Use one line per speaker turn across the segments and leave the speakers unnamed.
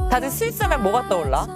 다들 스위스 하면 뭐가 떠올라?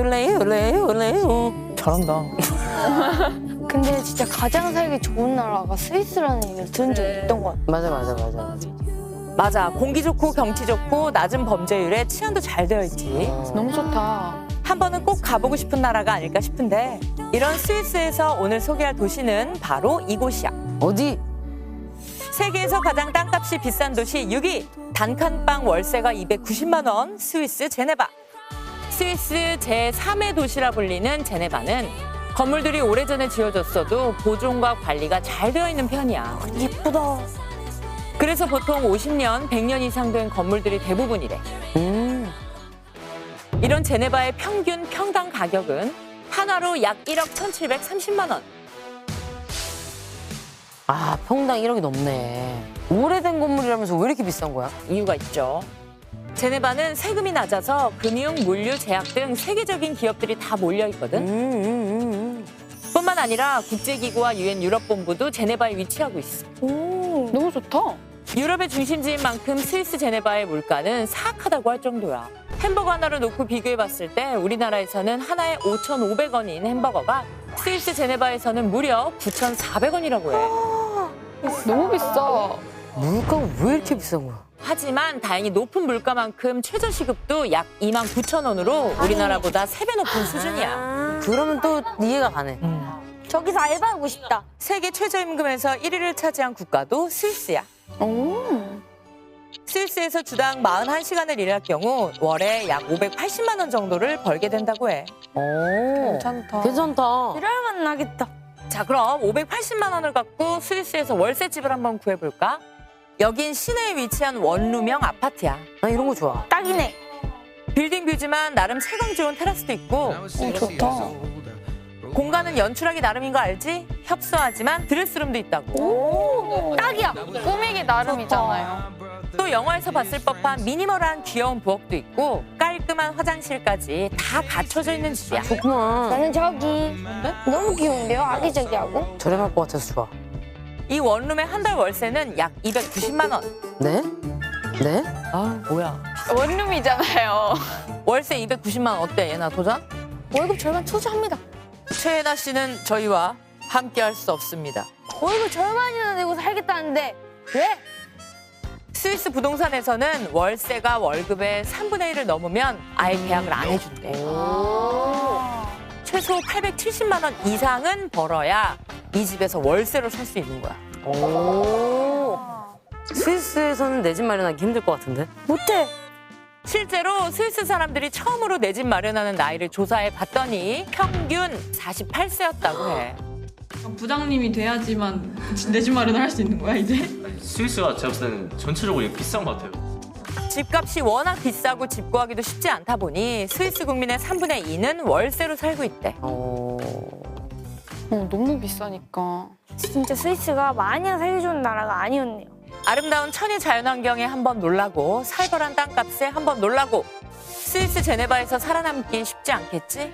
잘한다.
근데 진짜 가장 살기 좋은 나라가 스위스라는 얘기를 들은 적이 있던 것 같아.
맞아.
맞아. 공기 좋고 경치 좋고 낮은 범죄율에 치안도 잘 되어 있지.
너무 좋다.
한 번은 꼭 가보고 싶은 나라가 아닐까 싶은데 이런 스위스에서 오늘 소개할 도시는 바로 이곳이야.
어디?
세계에서 가장 땅값이 비싼 도시 6위. 단칸방 월세가 290만 원 스위스 제네바. 스위스 제3의 도시라 불리는 제네바는 건물들이 오래전에 지어졌어도 보존과 관리가 잘 되어 있는 편이야.
예쁘다.
그래서 보통 50년, 100년 이상 된 건물들이 대부분이래. 이런 제네바의 평균 평당 가격은 한화로 약 1억 1,730만 원.
아, 평당 1억이 넘네. 오래된 건물이라면서 왜 이렇게 비싼 거야?
이유가 있죠. 제네바는 세금이 낮아서 금융, 물류, 제약 등 세계적인 기업들이 다 몰려 있거든. 뿐만 아니라 국제기구와 유엔 유럽본부도 제네바에 위치하고 있어.
오, 너무 좋다.
유럽의 중심지인 만큼 스위스 제네바의 물가는 사악하다고 할 정도야. 햄버거 하나를 놓고 비교해봤을 때 우리나라에서는 하나에 5,500원인 햄버거가 스위스 제네바에서는 무려 9,400원이라고 해.
너무 비싸.
물가가 왜 이렇게 비싼 거야?
하지만 다행히 높은 물가만큼 최저시급도 약 29,000원으로 우리나라보다 3배 높은 수준이야.
그러면 또 이해가 가네.
저기서 알바하고 싶다.
세계 최저임금에서 1위를 차지한 국가도 스위스야.
오.
스위스에서 주당 41시간을 일할 경우 월에 약 580만 원 정도를 벌게 된다고 해.
오,
괜찮다.
괜찮다.
일할만 나겠다.
자, 그럼 580만 원을 갖고 스위스에서 월세집을 한번 구해볼까? 여긴 시내에 위치한 원룸형 아파트야.
나 이런 거 좋아.
딱이네.
빌딩 뷰지만 나름 채광 좋은 테라스도 있고
좋다.
공간은 연출하기 나름인 거 알지? 협소하지만 드레스룸도 있다고.
오, 딱이야. 꾸미기 나름이잖아요.
또 영화에서 봤을 법한 미니멀한 귀여운 부엌도 있고 깔끔한 화장실까지 다 갖춰져 있는 집이야.
좋구나.
나는 저기 너무 귀여운데요? 아기자기하고.
저렴할 것 같아서 좋아.
이 원룸의 한 달 월세는 약 290만 원.
네? 네?
아, 뭐야.
원룸이잖아요.
월세 290만 원 어때, 예나 도전?
월급 절반 투자합니다.
최애나 씨는 저희와 함께 할 수 없습니다.
월급 절반이나 내고 살겠다는데 왜?
스위스 부동산에서는 월세가 월급의 3분의 1을 넘으면 아예 계약을 안 해준대. 최소 870만 원 이상은 벌어야 이 집에서 월세로 살 수 있는 거야.
오. 스위스에서는 내 집 마련하기 힘들 것 같은데?
못해.
실제로 스위스 사람들이 처음으로 내 집 마련하는 나이를 조사해 봤더니 평균 48세였다고 해.
부장님이 돼야지만 내 집 마련을 할 수 있는 거야 이제?
스위스가 제가 봤을 때는 전체적으로 비싼 것 같아요.
집값이 워낙 비싸고 집 구하기도 쉽지 않다 보니 스위스 국민의 3분의 2는 월세로 살고 있대.
너무 비싸니까. 진짜 스위스가 마냥 살기 좋은 나라가 아니었네요.
아름다운 천혜 자연환경에 한번 놀라고 살벌한 땅값에 한번 놀라고 스위스 제네바에서 살아남기 쉽지 않겠지?